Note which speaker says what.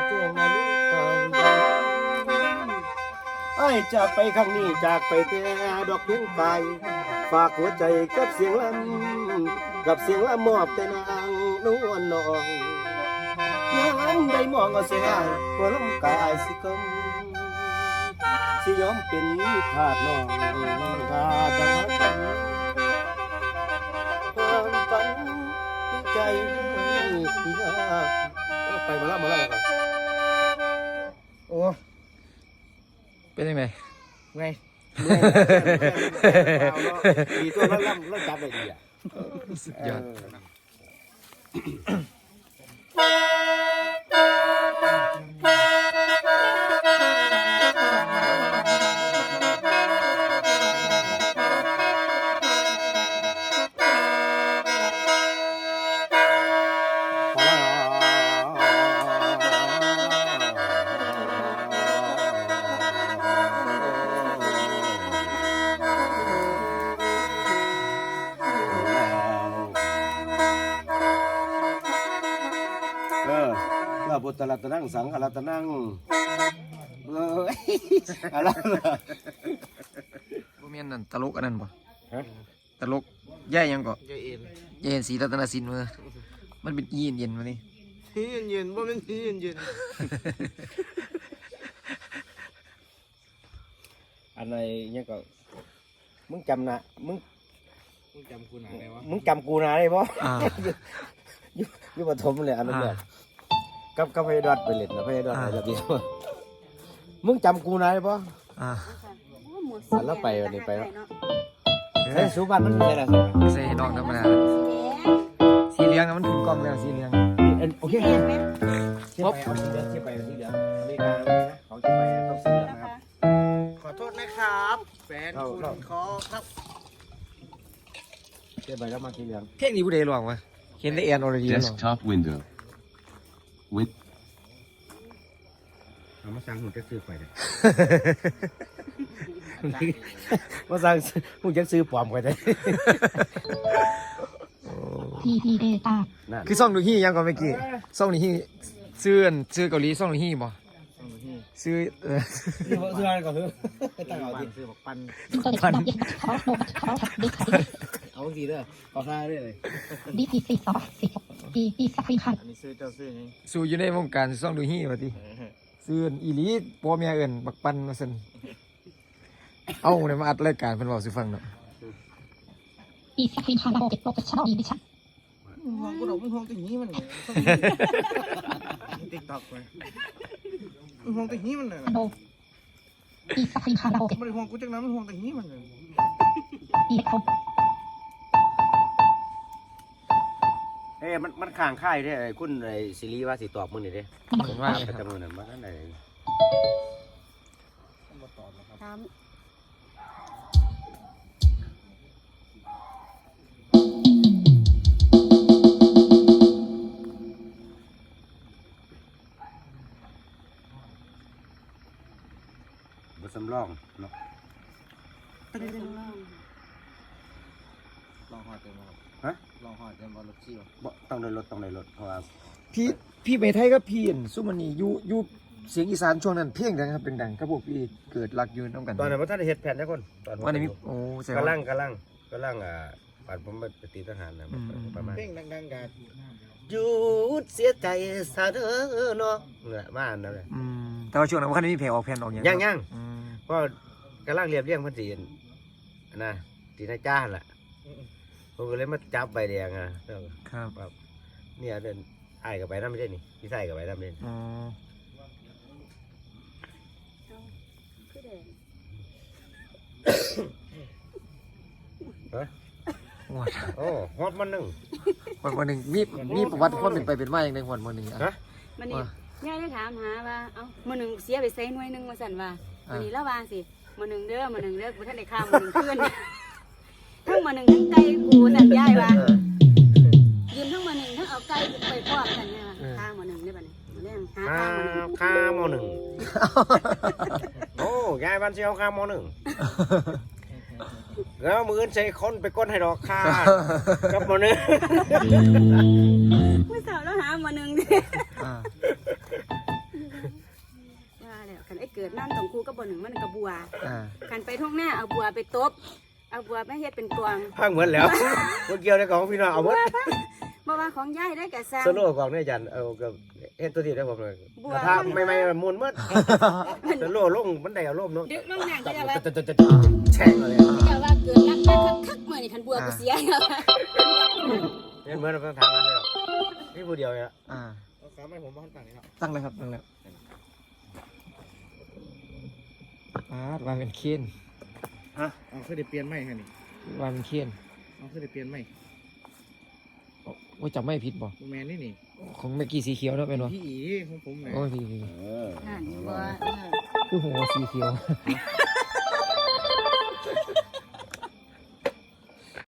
Speaker 1: จวงนั้นไอ้จากไปครั้งนี้จากไปแต่ดอกเพียงกายฝากหัวใจกับเสียงลำกับเสียงลำมอบแต่นางนวลน้องยังได้มองเอาเสียหัวลมกายสิกมสิยอมเป็นขาดน้องขาดจะมากันความฝันใจไปมาแล้วโอ้
Speaker 2: เป็นยังไง
Speaker 1: ไงดีตัวแล้วล่ำจับไปดีอ่ะ
Speaker 2: สุดยอด
Speaker 1: พุทธรัตนังสังฆรัตนังอะไร
Speaker 2: บ่แม่นนั่นตลกอันนั้นบ่ตลกย่ายยังก็ย่ายเอ็นสีรัตนสินมื้อมันเป็นอีเย็นๆมานี่
Speaker 3: เย็นบ่แม่นสีเย็น
Speaker 1: อะไรเนี่ยก็มึงจำนะมึง
Speaker 3: จำกูหนาได้วะ
Speaker 1: มึงจำกูนะได้ป่ะยุบปฐมเลยอันนั้นเนี่ยกับพยดอดไปเล่นนะพยดอดอะไรแบบนี้มึงจำกูนายป่ะแล้วไปวันนี้ไปแล้วใส่สุบันมันใส่อะไร
Speaker 2: ใส่ดอกธรรมดาสีเหลืองมันถึงกล้องแล้วสีเหลือง
Speaker 1: โอเคเชี่ยไปเอาสีเหลืองเชี่ยไปเอาสีเหลืองอเมริกาเลยนะเขาจะไปต้องสีเหลืองนะครับ
Speaker 3: ขอโทษนะครับแฟนคุณขอครับ
Speaker 1: เชี่ยไปแล้วมาสีเหลือง
Speaker 2: เพลงนี้ผู้ใดร้องวะเห็นได้แอนออร์ดี
Speaker 4: Desktop window with
Speaker 1: เอามาสั่งหุ่นจะซื้อไปเลยมาสั่งหุ่นจะซื้อปลอมไปเลย
Speaker 5: พีเดต้า
Speaker 2: คือซ่องดูฮี่ยังก่อนเมื่อกี้ซ่องดูฮี่ซื้อเกาหลีซ่องดูฮี่บ่ซื้อ
Speaker 1: อะไรก่อนตั้งเอาดิ
Speaker 3: ซื้อบอกปัน
Speaker 1: เอาสิเด้อเอาค่าได้เลย
Speaker 5: ดีปีสักปีพัน
Speaker 3: อันนี้ซื้อเจ้าซื้อนี่
Speaker 2: สู้อยู่ในวงการซ่องดูฮี่ว่าติซื้ออีหลีพ่อแม่เอิ้นบักปันว่าซั่นเอาเนี่ยมาอัดรายการเพิ่นเว้าสิฟังเนาะ
Speaker 5: ปีสักปีพันเราเก็บโปรเฟชชั่นอลดีดิฉัน
Speaker 3: ห้องกูดอกมันห้องติ่งนี้มันติ๊กต็อกเลยห้องติ่งนี้มันเลย
Speaker 5: ปีสักปีพันเราเก็บ
Speaker 3: ไม่ได้ห้องกูจังนั้นมันห้องติ่งนี้มันเลย
Speaker 5: ปีเขา
Speaker 1: มันข้างค่ายได้คุณไอ้ซีรีส์ว่าสิตอบมึงนี่เด้
Speaker 2: ว่า
Speaker 1: ประจำมื้อนั้นมาอันใดบ่สำรองเนาะ
Speaker 3: ลองหอดเต็ม
Speaker 1: ฮะ
Speaker 3: ลองหอดเต็มบอลรถซี่
Speaker 1: บ่ต้องได้รถเพราะว่า
Speaker 2: พี่ไปไทยกับพี่ซุมันนี่อยู่เสียงอีสานช่วงนั้นเพียงดังครับเป็นดังกับพวกพี่เกิดรักยืนต้องกัน
Speaker 1: ตอนนั้นบ่ทันได้เฮ็ดแผนจักคนตอน
Speaker 2: วันนี้โอ้แสดง
Speaker 1: กำลังปานผมไปตีทหารนะประมาณ
Speaker 3: เพลงดังๆกัน
Speaker 1: หยุดเสียใจซะเด้อเนาะเนี่ยมาอันนั้นแหละ
Speaker 2: แต่ว่าช่วงนั้นบ่คันมีเพลงออกแผ่นออกหยัง
Speaker 1: ยังก็กำลังเรียบเรียงเพิ่นสินะตีนายจ้าล่ะผมก็เลยมาจับใบแดงอ่ะ
Speaker 2: ครับ
Speaker 1: เนี่ยเดินอ้ายก็ไปนำไม่ใช่นี่พี่ชายก็ไปนำเล่นโอ้ฮอดมันนึง
Speaker 2: วันนึงมีประวัติความเป็นไปเป็นมาอย่างใดฮอดมื้อนึง
Speaker 6: ฮะมื้อนี้ย่าได้ถามหาว่าเอ้ามื้อนึงเสียไปใส่หน่วยนึงว่าซั่นว่ามื้อนี้ละว่าสิมื้อนึงเด้อบ่ทันได้ข้ามมื้อนึงคืนทั้งมื้อนึงทั้งไก่กูสั่นยายว่ายืนทั้งมื้อนึงทั้งเอาไก่ไปพร้อมกันเนี่ยข้ามมื้อนึงได้บัดนี้มื้อแรงหา
Speaker 1: ข้ามมื้อนึงโอ้ยายบ้านสิเอาข้ามมื้อนึงแล้วมือใช้คนไปก้นให้ดอกค่ากับมื้อนึง
Speaker 6: มื้อเช้าแล้วหามื้อนึงดิน้ำต้องคู่กับบ่หนึ่งมันกับบัว
Speaker 2: อ่า
Speaker 6: คันไปทุ่งหน้าเอาบัวไปตบเอาบัวไปเฮ็ดเป็นกวาง
Speaker 1: พังเหมือนแล้วบ่เกี่ยวในของพี่น้องเอาหมด
Speaker 6: บ่ว่าของยายได้กะสร้าง
Speaker 1: สโลของเนี่ยอาจารย์เอากับเฮ็ดตัวที่ได้ผมเลย
Speaker 6: บัว
Speaker 1: กระทะใหม่ๆมุนหมดสโลลงมันได้อารมณ์เนาะ
Speaker 6: ดึกลงน้ำก็จะว่า
Speaker 1: แช่งเลย
Speaker 6: ก็จะว่าเกิดรักมาคักๆมื้อนี่คันบัวกูเสียแล้ว
Speaker 1: เหมือนเราต้องทางนั้นเลยนี่ผู้เดียวเนี่ย
Speaker 2: อ่า
Speaker 3: เอาขาไม่ผมบ้านต่างนี่เนาะ
Speaker 2: ตั้งเลยครับตั้งเลยวางเป็นเคน
Speaker 3: เอาเคยได้เปลี่ยนไหมฮะนี่
Speaker 2: วางเป็นเคน
Speaker 3: เอาเคยได้เปลี่ยนไหม
Speaker 2: ว่าจำไม่ผิดบ่
Speaker 3: แมนนี่
Speaker 2: ของเมื่อกี้สีเขียวเนาะเป็นบ่
Speaker 3: พี่อีของผมไง
Speaker 2: โอ้ยพี่
Speaker 6: นั่นบัว
Speaker 2: คือหัวสีเขียว